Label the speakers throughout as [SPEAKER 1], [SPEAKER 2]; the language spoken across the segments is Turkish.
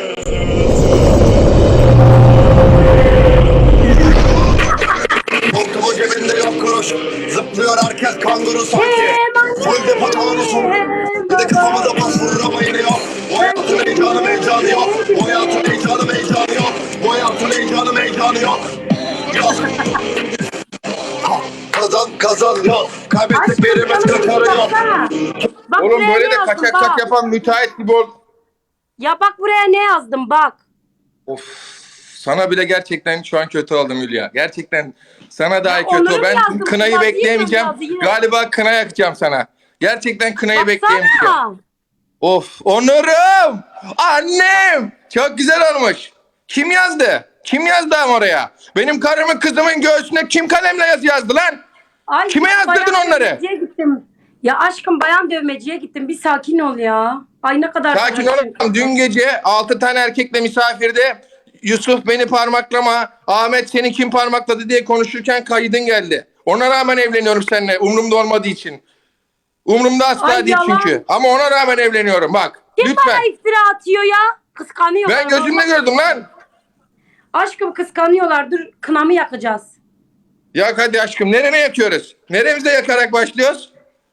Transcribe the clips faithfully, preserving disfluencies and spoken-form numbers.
[SPEAKER 1] Montumu cebinde yok kuruş. Zıplıyor herkes kanguru sanki. Full depo tanusun. Bir de kafamıza bas vurur ama yine yok. Bu hayatın heyecanı heyecanı yok. Bu hayatın heyecanı heyecanı yok. Bu hayatın heyecanı heyecanı yok. Yok. Ha, kazan kazan yok. Kaybettik birimiz kakarı yok.
[SPEAKER 2] Bak
[SPEAKER 3] Oğlum
[SPEAKER 2] buraya
[SPEAKER 3] böyle
[SPEAKER 2] ne
[SPEAKER 3] de
[SPEAKER 2] yazdım,
[SPEAKER 3] kaçak
[SPEAKER 2] bak.
[SPEAKER 3] kat yapan müteahhit gibi ol.
[SPEAKER 2] Ya bak buraya ne yazdım bak.
[SPEAKER 3] Of. Sana bile gerçekten şu an kötü oldum Hülya. Gerçekten sana daha
[SPEAKER 2] Ya
[SPEAKER 3] kötü
[SPEAKER 2] onları
[SPEAKER 3] ol. Ben
[SPEAKER 2] yazdım,
[SPEAKER 3] kınayı
[SPEAKER 2] yazayım
[SPEAKER 3] bekleyemeyeceğim.
[SPEAKER 2] yazdı yine.
[SPEAKER 3] Galiba kına yakacağım sana. Gerçekten kınayı
[SPEAKER 2] Baksana.
[SPEAKER 3] bekleyemeyeceğim. Of. Onurum. Annem. Çok güzel olmuş. Kim yazdı? Kim yazdı ama oraya? Benim karımın kızımın göğsüne kim kalemle yazı yazdı lan?
[SPEAKER 2] Ay,
[SPEAKER 3] Kime yazdırdın
[SPEAKER 2] bayan
[SPEAKER 3] onları?
[SPEAKER 2] dövmeciye gittim. Ya aşkım bayan dövmeciye gittim. Bir sakin ol ya. Ay ne kadar...
[SPEAKER 3] Sakin olun. Dün gece altı tane erkekle misafirde Yusuf beni parmaklama, Ahmet seni kim parmakladı diye konuşurken kaydın geldi. Ona rağmen evleniyorum seninle. Umrumda olmadığı için. Umrumda asla
[SPEAKER 2] Ay,
[SPEAKER 3] değil
[SPEAKER 2] yalan.
[SPEAKER 3] çünkü. Ama ona rağmen evleniyorum bak.
[SPEAKER 2] Kim
[SPEAKER 3] Lütfen.
[SPEAKER 2] bana iftira atıyor ya? Kıskanıyor.
[SPEAKER 3] Ben gözümle gördüm lan.
[SPEAKER 2] Aşkım kıskanıyorlar. Dur kınamı yakacağız.
[SPEAKER 3] Yak hadi aşkım. Nereye yakıyoruz? Neremizde yakarak başlıyoruz?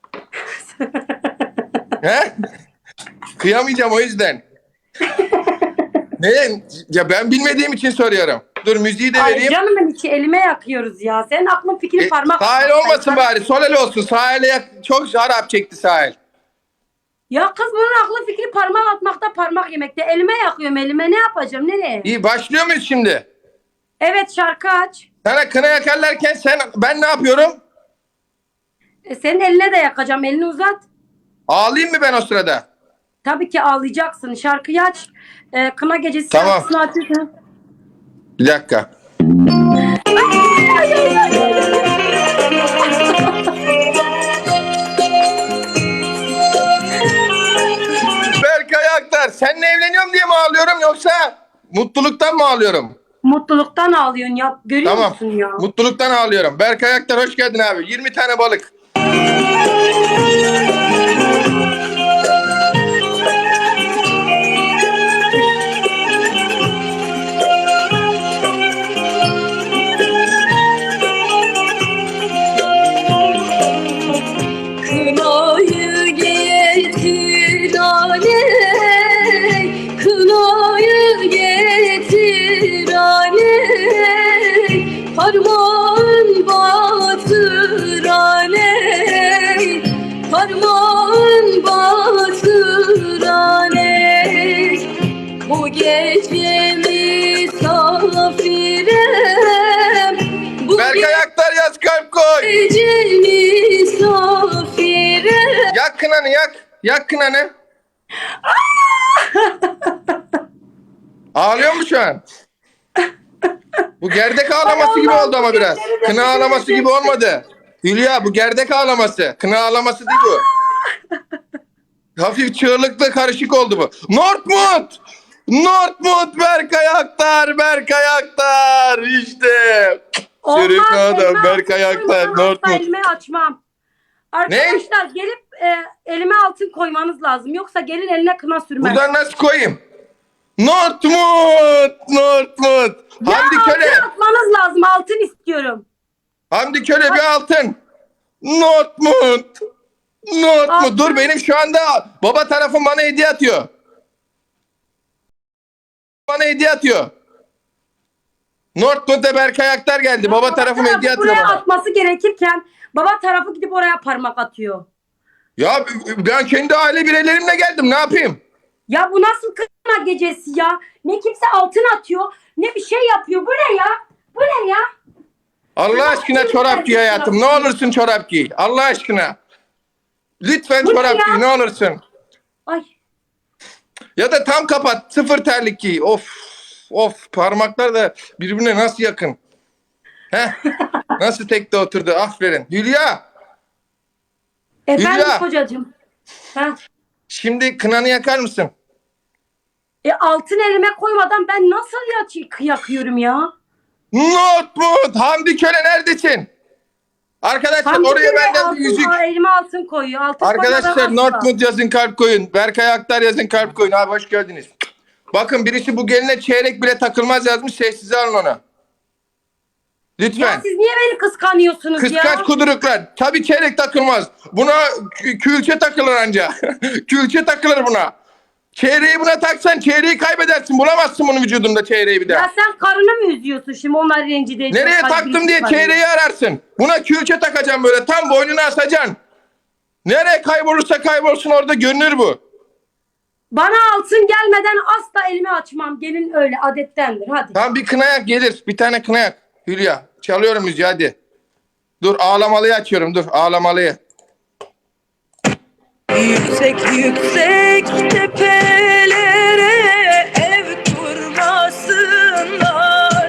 [SPEAKER 3] He? Kıyamayacağım o yüzden. Ne? Ya ben bilmediğim için soruyorum. Dur müziği de
[SPEAKER 2] Ay
[SPEAKER 3] vereyim.
[SPEAKER 2] canımın içi elime yakıyoruz ya. Senin aklın fikrin
[SPEAKER 3] E,
[SPEAKER 2] parmak.
[SPEAKER 3] sahil olmasın bari. Sol el olsun. Sahile yak çok harap çekti sahil.
[SPEAKER 2] Ya kız bunun aklı fikri parmak atmakta, parmak yemekte. Elime yakıyorum elime. Ne yapacağım? Nereye?
[SPEAKER 3] İyi başlıyor muyuz şimdi?
[SPEAKER 2] Evet şarkı aç.
[SPEAKER 3] Sana kına yakarlarken sen ben ne yapıyorum?
[SPEAKER 2] E, senin eline de yakacağım. Elini uzat.
[SPEAKER 3] Ağlayayım mı ben o sırada?
[SPEAKER 2] Tabii ki ağlayacaksın. Şarkıyı aç. E, kına gecesi
[SPEAKER 3] Tamam.
[SPEAKER 2] şarkısını açıyorsun.
[SPEAKER 3] Bir dakika. Berkay Aktar, seninle evleniyorum diye mi ağlıyorum yoksa mutluluktan mı ağlıyorum?
[SPEAKER 2] Mutluluktan ağlıyorsun ya. Görüyor
[SPEAKER 3] Tamam.
[SPEAKER 2] musun ya?
[SPEAKER 3] Mutluluktan ağlıyorum. Berkay Aktar hoş geldin abi. yirmi tane balık.
[SPEAKER 4] Kınayı getir aley, kınayı getir aley, parmağın batır aley, parmağın batır aley. Bu gece misafirem, bu
[SPEAKER 3] Berkay Aktar yaz kalp koy.
[SPEAKER 4] gece misafirem.
[SPEAKER 3] Yak kınanı yak. Yak kınanı. Ağlıyor mu şu an? Bu gerdek ağlaması gibi oldu ama biraz. Kına ağlaması gibi olmadı. Hülya bu gerdek ağlaması. Kına ağlaması değil bu. Hafif çığlıklı karışık oldu bu. Northwood! Northwood Berkay Aktar, Berkay Aktar. İşte. Şerif adam
[SPEAKER 2] elime
[SPEAKER 3] Berkay
[SPEAKER 2] altın
[SPEAKER 3] Aktar,
[SPEAKER 2] koymadan asla
[SPEAKER 3] Northwood.
[SPEAKER 2] elime açmam. Arkadaşlar gelip e, elime altın koymanız lazım. Yoksa gelin eline kına sürmez.
[SPEAKER 3] Buradan nasıl koyayım? Northwood, Northwood.
[SPEAKER 2] Ya
[SPEAKER 3] Hamdi
[SPEAKER 2] altın
[SPEAKER 3] Köle.
[SPEAKER 2] atmanız lazım. Altın istiyorum.
[SPEAKER 3] Hamdi Köle bir altın. Northwood. Northwood.
[SPEAKER 2] Altın.
[SPEAKER 3] Dur benim şu anda baba tarafım bana hediye atıyor. Bana hediye atıyor. Northwood'da Berkay Aktar geldi. Baba tarafım
[SPEAKER 2] tarafı
[SPEAKER 3] hediye atıyor
[SPEAKER 2] buraya
[SPEAKER 3] bana.
[SPEAKER 2] atması gerekirken baba tarafı gidip oraya parmak atıyor.
[SPEAKER 3] Ya ben kendi aile bireylerimle geldim. Ne yapayım?
[SPEAKER 2] Ya bu nasıl kına gecesi ya? Ne kimse altın atıyor, ne bir şey yapıyor. Bu ne ya? Bu ne ya?
[SPEAKER 3] Allah aşkına çorap giy hayatım. Ne olursun çorap giy. Allah aşkına. Lütfen
[SPEAKER 2] Bu ne
[SPEAKER 3] çorap
[SPEAKER 2] ya?
[SPEAKER 3] giy. Ne olursun.
[SPEAKER 2] Ay.
[SPEAKER 3] Ya da tam kapat. Sıfır terlik giy. Of. Of. Parmaklar da birbirine nasıl yakın. Heh. Nasıl tekte oturdu. Aferin. Hülya.
[SPEAKER 2] Efendim
[SPEAKER 3] Hülya.
[SPEAKER 2] kocacığım. Ha.
[SPEAKER 3] Şimdi kınanı yakar mısın?
[SPEAKER 2] E altın elime koymadan ben nasıl ya yakıyorum ya?
[SPEAKER 3] Northwood. Hamdi Köle neredesin? Arkadaşlar
[SPEAKER 2] Hamdi
[SPEAKER 3] oraya
[SPEAKER 2] Köle
[SPEAKER 3] benden
[SPEAKER 2] altın,
[SPEAKER 3] bir yüzük.
[SPEAKER 2] aa, elime altın koyuyor. Altın
[SPEAKER 3] Arkadaşlar
[SPEAKER 2] koymadan asla.
[SPEAKER 3] Northwood yazın kalp koyun. Berkay Aktar yazın kalp koyun. Abi hoş geldiniz. Bakın birisi bu geline çeyrek bile takılmaz yazmış. Sessize alın onu.
[SPEAKER 2] Ya
[SPEAKER 3] Lütfen.
[SPEAKER 2] siz niye beni kıskanıyorsunuz ya?
[SPEAKER 3] Kıskanç kuduruklar. Tabii çeyrek takılmaz. Buna kü- külçe takılır anca. Külçe takılır buna. Çeyreği buna taksan çeyreği kaybedersin. Bulamazsın bunun vücudunda çeyreği bir daha.
[SPEAKER 2] Ya sen karını mı üzüyorsun şimdi onlar rencide ediyor.
[SPEAKER 3] Nereye
[SPEAKER 2] kalbini
[SPEAKER 3] taktım diye
[SPEAKER 2] kıskanıyor.
[SPEAKER 3] çeyreği ararsın. Buna külçe takacağım böyle. Tam boynuna asacaksın. Nereye kaybolursa kaybolsun orada görünür bu.
[SPEAKER 2] Bana altın gelmeden asla elimi açmam. Gelin öyle adettendir hadi.
[SPEAKER 3] Tamam bir kınayak gelir. Bir tane kınayak. Hülya. Çalıyorum müziği hadi. Dur ağlamalıyı açıyorum dur ağlamalıyı.
[SPEAKER 4] Yüksek yüksek tepelere ev kurmasınlar.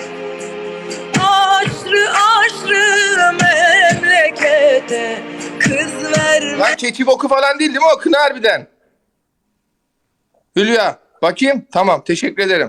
[SPEAKER 4] Aşrı aşrı memlekete kız vermesinler.
[SPEAKER 3] Lan keçi boku falan değil değil mi o kına harbiden? Hülya bakayım. Tamam teşekkür ederim.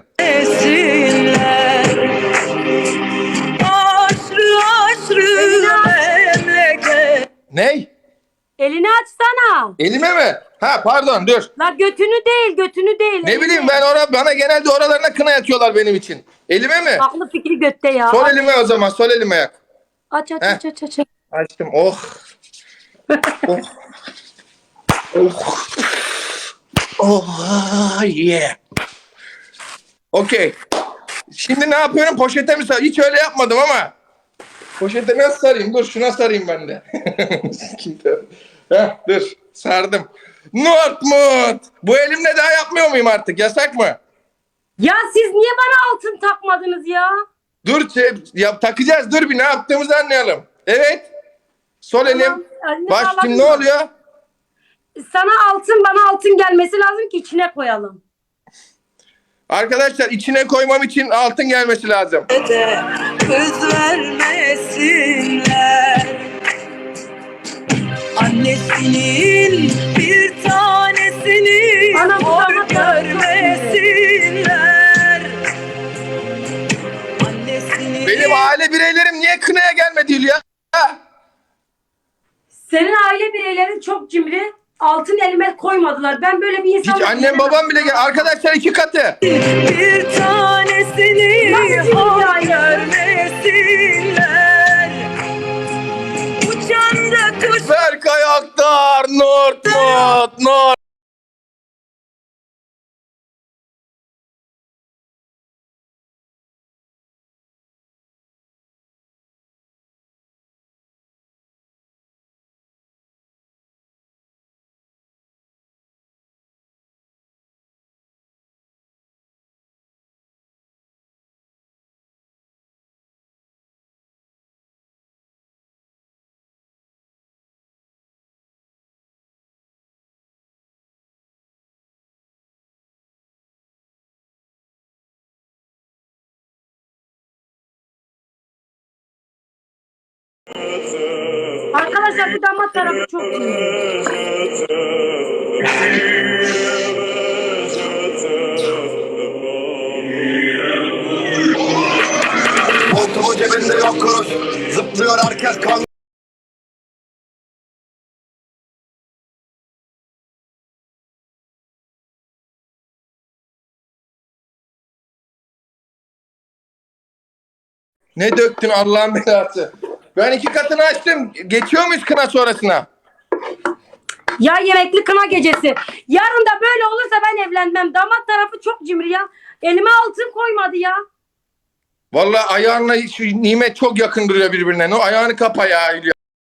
[SPEAKER 4] Aşrı aşrı memleket.
[SPEAKER 3] Ney?
[SPEAKER 2] Elini açsana.
[SPEAKER 3] Elime mi? Ha pardon dur.
[SPEAKER 2] La götünü değil götünü değil.
[SPEAKER 3] Ne
[SPEAKER 2] elini.
[SPEAKER 3] bileyim ben ora, bana genelde oralarına kına yakıyorlar benim için. Elime mi?
[SPEAKER 2] Aklı fikri götte ya.
[SPEAKER 3] Sol elime o zaman sol elime yak.
[SPEAKER 2] Aç aç
[SPEAKER 3] Heh.
[SPEAKER 2] aç aç aç.
[SPEAKER 3] Açtım oh. Oh. Oh. Oh yeah. Okey. Şimdi ne yapıyorum? Poşete mi sar? Hiç öyle yapmadım ama. Poşete nasıl sarayım? Dur şuna sarayım ben de. Heh, dur sardım. Northmut. Bu elimle daha yapmıyor muyum artık? Yasak mı?
[SPEAKER 2] Ya siz niye bana altın takmadınız ya?
[SPEAKER 3] Dur şey, ya, takacağız. Dur bir ne yaptığımızı anlayalım. Evet. Sol elim.
[SPEAKER 2] Eline
[SPEAKER 3] Baş
[SPEAKER 2] bağladın
[SPEAKER 3] şimdi ne
[SPEAKER 2] mı?
[SPEAKER 3] oluyor?
[SPEAKER 2] Sana altın bana altın gelmesi lazım ki içine koyalım.
[SPEAKER 3] Arkadaşlar içine koymam için altın gelmesi lazım.
[SPEAKER 4] Kız vermesinler. Annesinin bir tanesini
[SPEAKER 2] Anam,
[SPEAKER 4] hor
[SPEAKER 2] anam,
[SPEAKER 4] görmesinler. Annesinin
[SPEAKER 3] Benim aile bireylerim niye kınaya gelmedi Hülya? Ha?
[SPEAKER 2] Senin aile bireylerin çok cimri. Altın elime koymadılar. Ben böyle bir insan...
[SPEAKER 3] Hiç annem babam bile gel. Arkadaşlar iki katı.
[SPEAKER 4] bir tanesini
[SPEAKER 2] Nasıl
[SPEAKER 4] hor
[SPEAKER 2] ya?
[SPEAKER 4] görmesinler. Uçan da kuş
[SPEAKER 3] Berkay Aktar, Northmut, North.
[SPEAKER 2] Arkadaşlar bu damat tarafı çok cimri.
[SPEAKER 1] Montumun cebinde yok kuruş. Zıplıyor herkes kan.
[SPEAKER 3] Ne döktün Allah'ın belası. Ben iki katını açtım. Geçiyor muyuz kına sonrasına?
[SPEAKER 2] Ya yemekli kına gecesi. Yarın da böyle olursa ben evlenmem. Damat tarafı çok cimri ya. Elime altın koymadı ya.
[SPEAKER 3] Vallahi ayağınla şu nimet çok yakın duruyor birbirine. O ayağını kapa ya Hülya.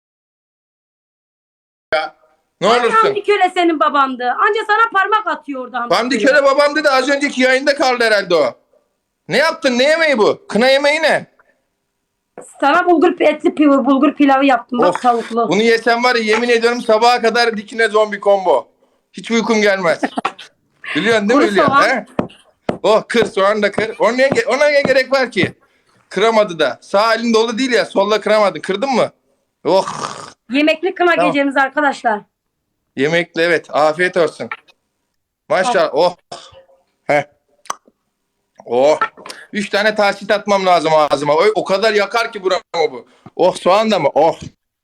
[SPEAKER 3] Ya. Ne olursun.
[SPEAKER 2] Hamdi Köle senin babandı. Anca sana parmak atıyor orada Hamdi,
[SPEAKER 3] Hamdi Köle babam dedi az önceki yayında kaldı herhalde o. Ne yaptın? Ne yemeği bu? Kına yemeği ne?
[SPEAKER 2] Sana bulgur etli pilavı, bulgur pilavı yaptım. Bak
[SPEAKER 3] Of,
[SPEAKER 2] tavuklu.
[SPEAKER 3] bunu yesem var ya yemin ediyorum sabaha kadar dikine zombi combo. Hiç uykum gelmez. Biliyorsun değil mi
[SPEAKER 2] Kuru
[SPEAKER 3] Hülya?
[SPEAKER 2] soğan.
[SPEAKER 3] He? Oh kır soğan da kır. Ona ne, ona ne gerek var ki? Kıramadı da. Sağ elin dolu değil ya solla kıramadın. Kırdın mı? Oh.
[SPEAKER 2] Yemekli kına
[SPEAKER 3] Tamam.
[SPEAKER 2] gecemiz arkadaşlar.
[SPEAKER 3] Yemekli evet. Afiyet olsun. Maşallah. Oh. Heh. Oh. Üç tane tahsit atmam lazım ağzıma. O, o kadar yakar ki buramı bu. Oh soğan da mı? Oh.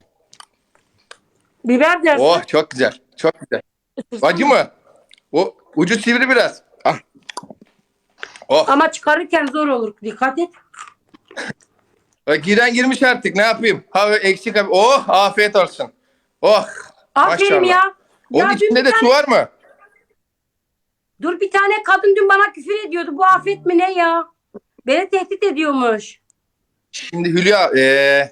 [SPEAKER 2] Biber dersin.
[SPEAKER 3] Oh çok güzel. Çok güzel. Acı mı? O ucu sivri biraz. Ah. Oh.
[SPEAKER 2] Ama çıkarırken zor olur. Dikkat et.
[SPEAKER 3] Bak, giren girmiş artık, ne yapayım? Ha eksik abi. Oh, afiyet olsun. Oh.
[SPEAKER 2] Aferin
[SPEAKER 3] maşallah.
[SPEAKER 2] ya.
[SPEAKER 3] Onun
[SPEAKER 2] Ya dün
[SPEAKER 3] içinde
[SPEAKER 2] bir
[SPEAKER 3] de
[SPEAKER 2] tane-
[SPEAKER 3] su var mı?
[SPEAKER 2] Dur, bir tane kadın dün bana küfür ediyordu. Bu afet mi ne ya? Beni tehdit ediyormuş.
[SPEAKER 3] Şimdi Hülya ee,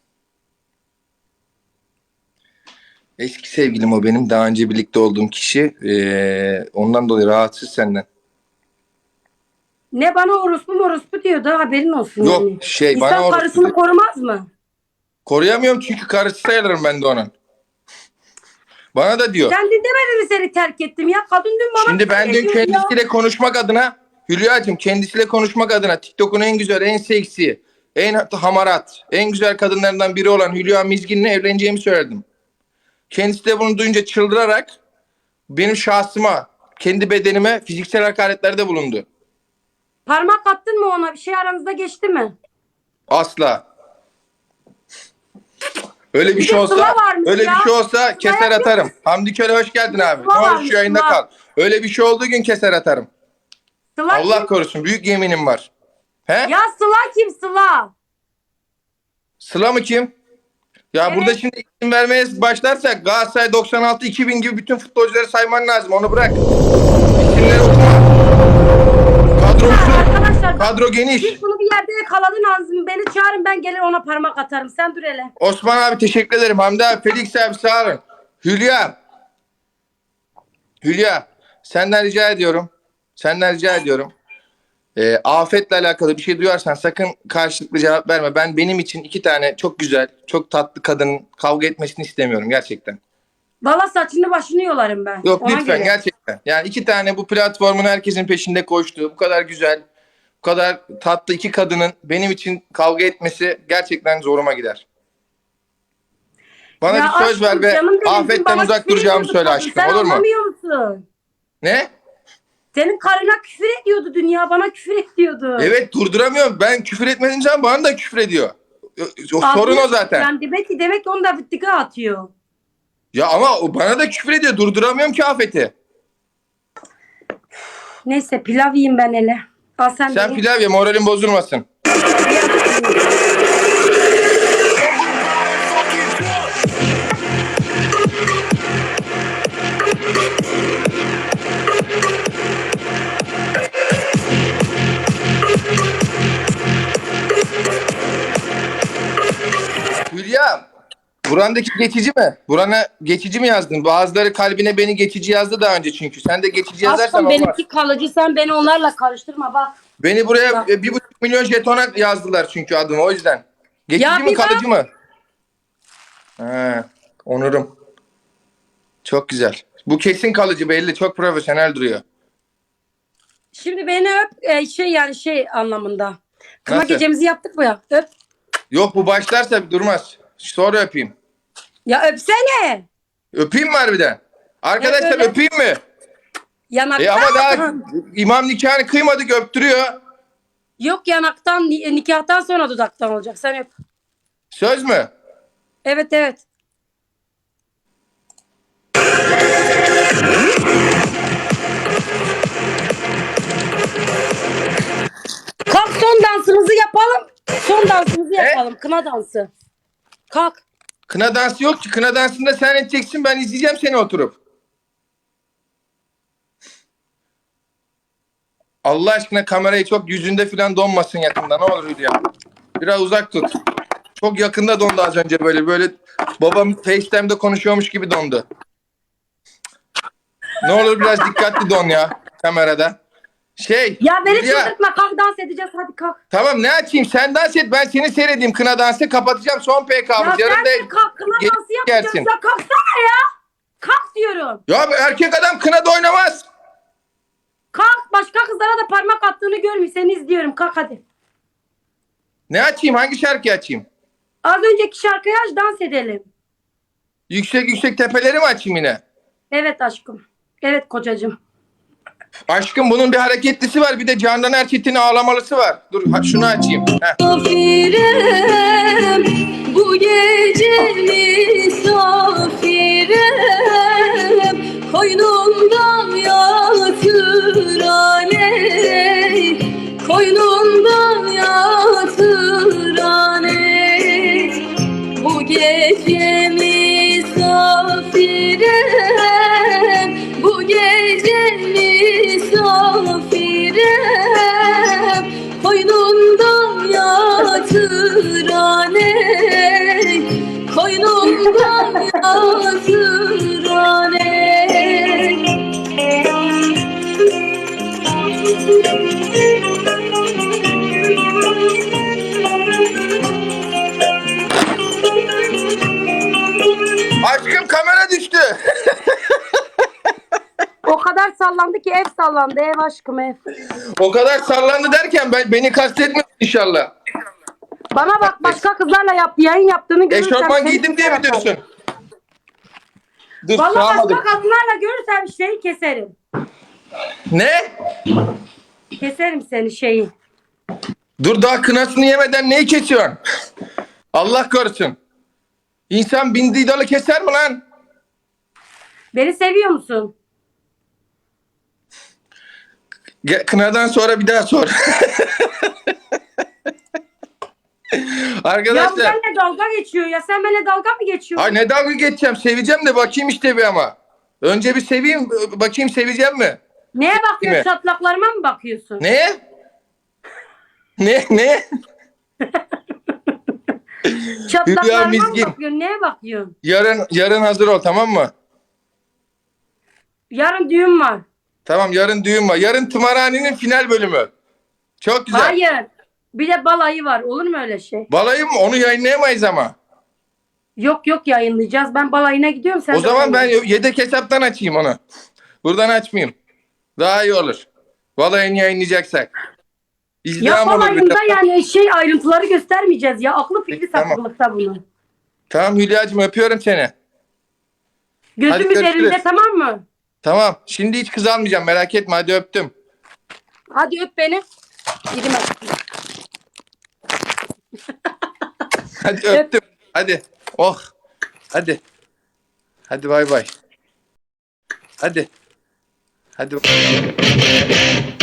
[SPEAKER 3] eski sevgilim o benim. Daha önce birlikte olduğum kişi. Ee, ondan dolayı rahatsız senden.
[SPEAKER 2] Ne bana orospu morospu diyordu, haberin olsun.
[SPEAKER 3] Yok,
[SPEAKER 2] yani.
[SPEAKER 3] şey,
[SPEAKER 2] İnsan
[SPEAKER 3] bana orospu
[SPEAKER 2] karısını
[SPEAKER 3] diyor.
[SPEAKER 2] korumaz mı?
[SPEAKER 3] Koruyamıyorum çünkü karısı sayılırım ben de onun. Bana da diyor.
[SPEAKER 2] Sen dün demedin mi seni terk ettim ya? Kadın dün bana
[SPEAKER 3] Şimdi
[SPEAKER 2] küfür
[SPEAKER 3] ben dün
[SPEAKER 2] ediyordu ya.
[SPEAKER 3] kendisiyle konuşmak adına, Hülya'cığım, kendisiyle konuşmak adına TikTok'un en güzel, en seksi, en hamarat, en güzel kadınlarından biri olan Hülya Mizgin'le evleneceğimi söyledim. Kendisi de bunu duyunca çıldırarak benim şahsıma, kendi bedenime fiziksel hakaretlerde bulundu.
[SPEAKER 2] Parmak attın mı ona? Bir şey aranızda geçti mi?
[SPEAKER 3] Asla. Öyle bir,
[SPEAKER 2] Bir
[SPEAKER 3] şey
[SPEAKER 2] de
[SPEAKER 3] olsa,
[SPEAKER 2] Sıla varmış
[SPEAKER 3] öyle
[SPEAKER 2] ya.
[SPEAKER 3] bir şey olsa
[SPEAKER 2] Sıla
[SPEAKER 3] keser
[SPEAKER 2] yapıyor
[SPEAKER 3] atarım.
[SPEAKER 2] musun?
[SPEAKER 3] Hamdi Köle hoş geldin abi.
[SPEAKER 2] Sıla
[SPEAKER 3] Ne olur
[SPEAKER 2] varmış,
[SPEAKER 3] şu yayında
[SPEAKER 2] Sıla.
[SPEAKER 3] kal. Öyle bir şey olduğu gün keser atarım.
[SPEAKER 2] Sıla
[SPEAKER 3] Allah
[SPEAKER 2] kim?
[SPEAKER 3] korusun, büyük yeminim var. He?
[SPEAKER 2] Ya Sıla kim Sıla?
[SPEAKER 3] Sıla mı kim? Ya
[SPEAKER 2] Evet.
[SPEAKER 3] burada şimdi isim vermeye başlarsak Galatasaray doksan altı iki bin gibi bütün futbolcuları sayman lazım. Onu bırak. İsimleri okuma. Kadrosu,
[SPEAKER 2] Arkadaşlar bak,
[SPEAKER 3] kadro geniş.
[SPEAKER 2] siz bunu bir yerde yakaladın ağzımı. Beni çağırın, ben gelir ona parmak atarım. Sen dur hele.
[SPEAKER 3] Osman abi teşekkür ederim. Hamdi abi, Felix abi sağ olun. Hülya. Hülya. Senden rica ediyorum. Senden rica ediyorum. Ee, afetle alakalı bir şey duyarsan sakın karşılıklı cevap verme. Ben benim için iki tane çok güzel, çok tatlı kadının kavga etmesini istemiyorum gerçekten.
[SPEAKER 2] Valla saçını başını yolarım ben.
[SPEAKER 3] Yok
[SPEAKER 2] Ona
[SPEAKER 3] lütfen
[SPEAKER 2] göre.
[SPEAKER 3] gerçekten. Yani iki tane bu platformun herkesin peşinde koştuğu, bu kadar güzel, bu kadar tatlı iki kadının benim için kavga etmesi gerçekten zoruma gider. Bana
[SPEAKER 2] Ya
[SPEAKER 3] bir söz ver
[SPEAKER 2] aşkım,
[SPEAKER 3] ve
[SPEAKER 2] canım benim, dün
[SPEAKER 3] afetten
[SPEAKER 2] bana
[SPEAKER 3] uzak
[SPEAKER 2] küfür
[SPEAKER 3] duracağımı
[SPEAKER 2] ediyordu
[SPEAKER 3] söyle
[SPEAKER 2] kadın.
[SPEAKER 3] aşkım,
[SPEAKER 2] Sen
[SPEAKER 3] olur mu?
[SPEAKER 2] anlamıyor musun?
[SPEAKER 3] Ne?
[SPEAKER 2] Senin karına küfür ediyordu dünya, bana küfür ediyordu.
[SPEAKER 3] Evet, durduramıyorum. Ben küfür etmediğim zaman bana da küfür ediyor. O, sorun o zaten.
[SPEAKER 2] Yani demek ki demek ki onu da vittika atıyor.
[SPEAKER 3] Ya ama o bana da küfür ediyor. Durduramıyorum ki afeti.
[SPEAKER 2] Neyse, pilav yiyeyim ben hele. Al sen,
[SPEAKER 3] Sen
[SPEAKER 2] de ye.
[SPEAKER 3] pilav ye, moralin bozulmasın. Hülya, burandaki geçici mi? Burana geçici mi yazdın? Bazıları kalbine beni geçici yazdı daha önce çünkü. Sen de geçici yazarsan
[SPEAKER 2] Aşkım
[SPEAKER 3] olmaz.
[SPEAKER 2] benimki kalıcı, sen beni onlarla karıştırma bak.
[SPEAKER 3] Beni buraya
[SPEAKER 2] Bak.
[SPEAKER 3] e, bir buçuk milyon jetona yazdılar çünkü adımı, o yüzden. Geçici
[SPEAKER 2] Ya
[SPEAKER 3] mi
[SPEAKER 2] bir bak.
[SPEAKER 3] kalıcı mı? He, onurum. Çok güzel. Bu kesin kalıcı, belli. Çok profesyonel duruyor.
[SPEAKER 2] Şimdi beni öp, e, şey yani şey anlamında. Kına
[SPEAKER 3] Nasıl?
[SPEAKER 2] gecemizi yaptık mı ya? Öp.
[SPEAKER 3] Yok, bu başlarsa durmaz. Sonra öpeyim.
[SPEAKER 2] Ya öpsene.
[SPEAKER 3] Öpeyim mi harbiden? Arkadaşlar
[SPEAKER 2] Evet, öyle.
[SPEAKER 3] öpeyim mi?
[SPEAKER 2] Yanaktan.
[SPEAKER 3] E ama daha imam nikahını kıymadık, öptürüyor.
[SPEAKER 2] Yok, yanaktan, ni- nikahtan sonra dudaktan olacak. Sen öp.
[SPEAKER 3] Söz mü?
[SPEAKER 2] Evet evet. Kalk, son dansımızı yapalım. Son dansımızı yapalım. Kına dansı. Kalk.
[SPEAKER 3] Kına dansı yok ki. Kına dansında sen edeceksin, ben izleyeceğim seni oturup. Allah aşkına kamerayı çok yüzünde falan donmasın yakında, ne olur Hülya. Biraz uzak tut. Çok yakında dondu az önce, böyle böyle babam FaceTime'da konuşuyormuş gibi dondu. Ne olur biraz dikkatli don ya kamerada. Şey
[SPEAKER 2] Ya beni
[SPEAKER 3] Hülya,
[SPEAKER 2] çıldırtma. Kalk, dans edeceğiz. Hadi kalk.
[SPEAKER 3] tamam, ne açayım, sen dans et, ben seni seyredeyim. Kına dansı kapatacağım, son P
[SPEAKER 2] Ya
[SPEAKER 3] K'mız.
[SPEAKER 2] sen
[SPEAKER 3] Yarın
[SPEAKER 2] de
[SPEAKER 3] da
[SPEAKER 2] kalk. Kına
[SPEAKER 3] gel-
[SPEAKER 2] dansı yapacağız.
[SPEAKER 3] gelsin.
[SPEAKER 2] Ya kalksana ya. Kalk diyorum.
[SPEAKER 3] Ya erkek adam kınada oynamaz.
[SPEAKER 2] Kalk. Başka kızlara da parmak attığını görmüş. Seni izliyorum. Kalk hadi.
[SPEAKER 3] Ne açayım, hangi şarkıyı açayım?
[SPEAKER 2] Az önceki şarkıyı aç, dans edelim.
[SPEAKER 3] Yüksek yüksek tepeleri mi açayım yine?
[SPEAKER 2] Evet aşkım. Evet kocacığım.
[SPEAKER 3] Aşkım, bunun bir hareketlisi var, bir de Candan Erçetin'in ağlamalısı var. Dur ha, şunu açayım. Heh.
[SPEAKER 4] Misafirem, bu gece misafirem, koynumda yatır aley. koynunda yatıran ey. Bu gece misafirem, bu gece misafirem, koynunda yatıran ey, koynunda yatıran ey.
[SPEAKER 3] Aşkım kamera düştü.
[SPEAKER 2] O kadar sallandı ki ev sallandı. Ev aşkım ev.
[SPEAKER 3] O kadar sallandı derken ben beni kastetmiyorsun inşallah.
[SPEAKER 2] Bana bak, başka kızlarla yaptı, yayın yaptığını görürsem...
[SPEAKER 3] Eşofman
[SPEAKER 2] seni
[SPEAKER 3] giydim diye mi
[SPEAKER 2] keserim.
[SPEAKER 3] diyorsun? Dur
[SPEAKER 2] Vallahi
[SPEAKER 3] sağmadım.
[SPEAKER 2] başka kadınlarla görürsem şeyi keserim.
[SPEAKER 3] Ne?
[SPEAKER 2] Keserim seni şeyi.
[SPEAKER 3] Dur daha kınasını yemeden neyi kesiyorsun? Allah korusun. İnsan bindiği dalı keser mi lan?
[SPEAKER 2] Beni seviyor musun?
[SPEAKER 3] Ge- Kınadan sonra bir daha sor.
[SPEAKER 2] Ya bu
[SPEAKER 3] Arkadaşlar.
[SPEAKER 2] benimle dalga geçiyor ya. Sen benimle dalga mı geçiyorsun?
[SPEAKER 3] Ay ne dalga geçeceğim? Seveceğim de bakayım işte bir ama. Önce bir seveyim bakayım seveceğim mi?
[SPEAKER 2] Neye bakıyorsun?
[SPEAKER 3] mi?
[SPEAKER 2] Çatlaklarıma mı bakıyorsun?
[SPEAKER 3] Ne? Ne? Ne? Hülya
[SPEAKER 2] Çatlaklarıma mı
[SPEAKER 3] Mizgin.
[SPEAKER 2] bakıyorsun? Neye bakıyorsun?
[SPEAKER 3] Yarın yarın hazır ol tamam mı?
[SPEAKER 2] Yarın düğün var.
[SPEAKER 3] Tamam yarın düğün var. Yarın tımarhanenin final bölümü. Çok güzel.
[SPEAKER 2] Hayır. Bir de balayı var. Olur mu öyle şey?
[SPEAKER 3] Balayı mı? Onu yayınlayamayız ama.
[SPEAKER 2] Yok yok, yayınlayacağız. Ben balayına gidiyorum. Sen
[SPEAKER 3] O
[SPEAKER 2] de
[SPEAKER 3] zaman ben
[SPEAKER 2] balayına.
[SPEAKER 3] yedek hesaptan açayım onu. Buradan açmayayım. Daha iyi olur. Balayını yayınlayacaksak.
[SPEAKER 2] Ya
[SPEAKER 3] İzdiham olur. bir
[SPEAKER 2] balayında
[SPEAKER 3] de.
[SPEAKER 2] yani şey ayrıntıları göstermeyeceğiz ya. Aklı fikri
[SPEAKER 3] Peki, tamam.
[SPEAKER 2] sapıklıkta bunun.
[SPEAKER 3] Tamam Hülya'cığım öpüyorum seni.
[SPEAKER 2] Gözüm
[SPEAKER 3] Hadi görüşürüz.
[SPEAKER 2] üzerinde, tamam mı?
[SPEAKER 3] Tamam. Şimdi hiç kız almayacağım merak etme hadi öptüm.
[SPEAKER 2] Hadi öp beni. Gidin aşkım.
[SPEAKER 3] Hadi öptüm. Hadi. Oh. Hadi. Hadi bay bay. Hadi. Hadi.